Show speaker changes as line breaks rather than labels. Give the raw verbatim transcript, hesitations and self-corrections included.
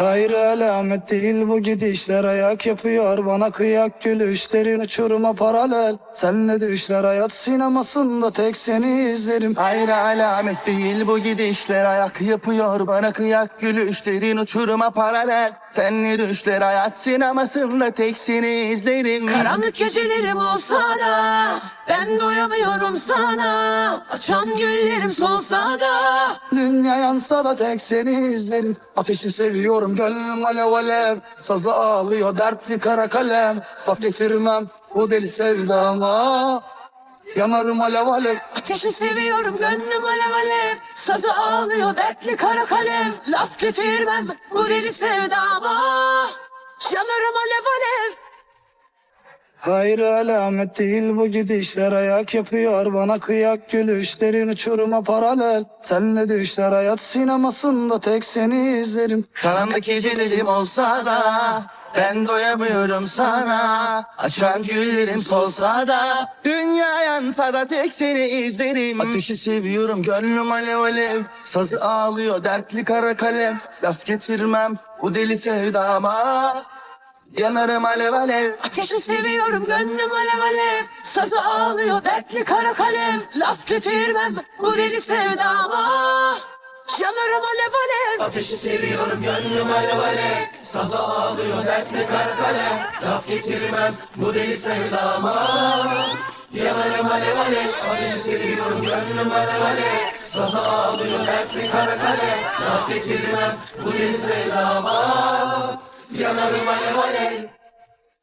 Hayır alamet değil bu gidişler, ayak yapıyor bana kıyak gülüşlerin uçuruma paralel. Senle düşler hayat sinemasında tek seni izlerim.
Hayır alamet değil bu gidişler, ayak yapıyor bana kıyak gülüşlerin uçuruma paralel. Senle düşler hayat sinemasında tek seni izlerim.
Karanlık gecelerim olsa da ben doyamıyorum sana. Açan güllerim solsa da
Dünya yansa da tek seni izlerim. Ateşi seviyorum gönlüm alev alev. Sazı ağlıyor dertli kara kalem. Laf getirmem bu deli sevdama. Yanarım alev alev.
ateşi seviyorum gönlüm alev alev. Sazı ağlıyor dertli kara kalem. Laf getirmem bu deli sevdama. Yanarım alev alev.
Hayır alamet değil bu gidişler, ayak yapıyor bana kıyak gülüşlerin uçuruma paralel. Senle düşler hayat sinemasında tek seni izlerim.
Karanlık gecelerim olsa da ben doyamıyorum sana. Açan güllerim solsa da dünya yansa da tek seni izlerim. Ateşi seviyorum gönlüm alev alev. Sazı ağlıyor dertli kara kalem. Laf getirmem bu deli sevdama. Yanarım alev alev.
Ateşi seviyorum gönlüm alev alev. Sazı ağlıyor dertli kara kalem. Laf getirmem bu deli sevdama. Yanarım alev alev.
Ateşi seviyorum gönlüm alev alev. Sazı ağlıyor dertli kara kalem. Laf getirmem bu deli sevdama. Yanarım alev alev. Ateşi seviyorum gönlüm alev alev. Sazı ağlıyor dertli kara kalem. Laf getirmem bu deli sevdama. Yanarım alev alev.